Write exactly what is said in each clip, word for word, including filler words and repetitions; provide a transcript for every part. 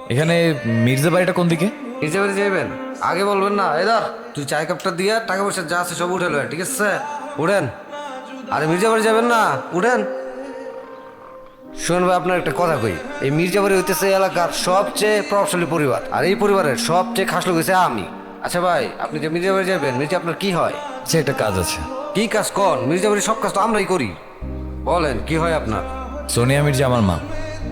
এখানে মির্জা বাড়িটা কোন দিকে? মির্জা বাড়ি যাবেন আগে বলবেন না। এদার তুই চায় কাপটা দিয়ে টাকা পয়সা যা আছে সব উঠে লয়, ঠিক আছে? উঠেন। আরে মির্জা বাড়ি যাবেন না, উঠেন। শুনুন ভাই, আপনার একটা কথা কই। এই মির্জা বাড়ি হইতেছে এই এলাকার সবচেয়ে প্রভাবশালী পরিবার, আর এই পরিবারের সবচেয়ে খাস লোক হইছে আমি। আচ্ছা ভাই, আপনি যে মির্জা বাড়ি যাবেন, মির্জা আপনার কি হয়? সে একটা কাজ আছে। কি কাজ কর? মির্জা বাড়ির সব কাজ তো আমরাই করি। বলেন কি হয় আপনার? সোনিয়া মির্জা আমার মা।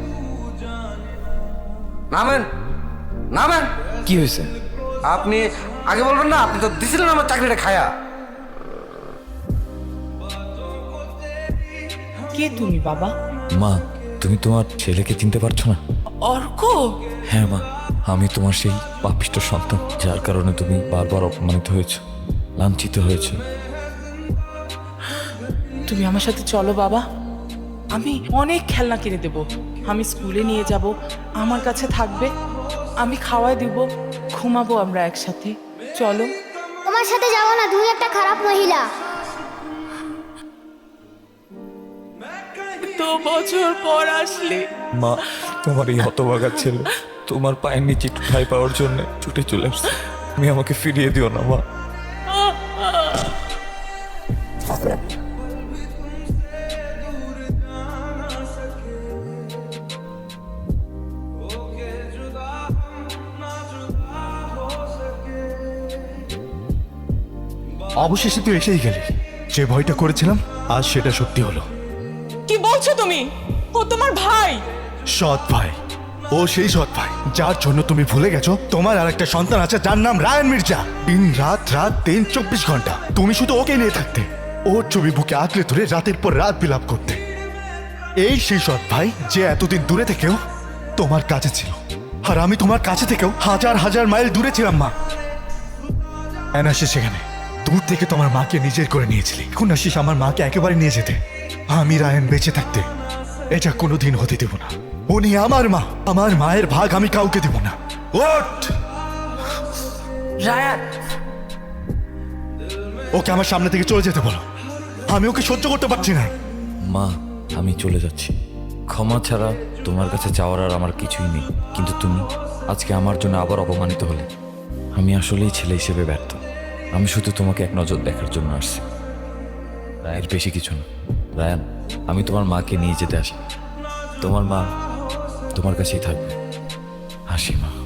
নামেন, নামেন। কি হয়েছে? আপনি আগে বলবেন না, আপনি তো দিছিলেন আমার চাকরিটা খায়া। কে তুমি বাবা? মা, তুমি তোমার ছেলেকে চিনতে পারছো না? অর্ক? হ্যাঁ মা, আমি তোমার সেই পাপিষ্ট সন্তান, যার কারণে তুমি বারবার অপমানিত হয়েছো, লাঞ্ছিত হয়েছো। তুমি আমার সাথে চলো বাবা, আমি অনেক খেলনা কিনে দেব। আমি স্কুলে নিয়ে যাব, আমার কাছে থাকবে, আমি খাওয়াই দিব, ঘুমাবো আমরা একসাথে। চলো। তোমার সাথে যাবো না, তুমি একটা খারাপ মহিলা। তো বছর পর আসলে। মা, তোমার এই হতভাগা ছেলে তোমার পায়ের নিচে একটু ঠাঁই পাওয়ার জন্য ছুটে চলে আসছে। তুমি আমাকে ফিরিয়ে দিও না মা। অবশেষে তুই এসেই গেলি। যে ভয়টা করেছিলাম আজ সেটা সত্যি হলো। কি বলছো তুমি? ও তোমার ভাই? সৎ ভাই। ও সেই সৎ ভাই যার জন্য তুমি ভুলে গেছো তোমার আর একটা সন্তান আছে যার নাম রায়ান মির্জা। দিন রাত রাত দিন চব্বিশ ঘন্টা তুমি শুধু ওকে নিয়ে থাকতে, ওর ছবি বুকে আঁকড়ে ধরে রাতের পর রাত বিলাপ করতে। এই সেই সৎ ভাই যে এতদিন দূরে থেকেও তোমার কাছে ছিল, আর আমি তোমার কাছে থেকেও হাজার হাজার মাইল দূরে ছিলাম মা। এনাসিস সেখানে দূর থেকে তোমার মাকে নিজের করে নিয়েছিলি, এখন আসিস আমার মাকে একেবারে নিয়ে যেতে। আমি রায়ান বেঁচে থাকতে এটা কোনোদিন হতে দেব না। উনি আমার মা, আমার মায়ের ভাগ আমি কাউকে দেব না। ওঠ! রায়ান, ওকে আমার সামনে থেকে চলে যেতে বলো, আমি ওকে সহ্য করতে পারছি না। মা, আমি চলে যাচ্ছি। ক্ষমা ছাড়া তোমার কাছে চাওয়ার আর আমার কিছুই নেই, কিন্তু তুমি আজকে আমার জন্য আবার অপমানিত হলে। আমি আসলেই ছেলে হিসেবে ব্যর্থ। আমি শুধু তোমাকে এক নজর দেখার জন্য আসছি, রায়ের বেশি কিছু না। রায়ান, আমি তোমার মাকে নিয়ে যেতে আসি। তোমার মা তোমার কাছেই থাকবে। হাসি মা।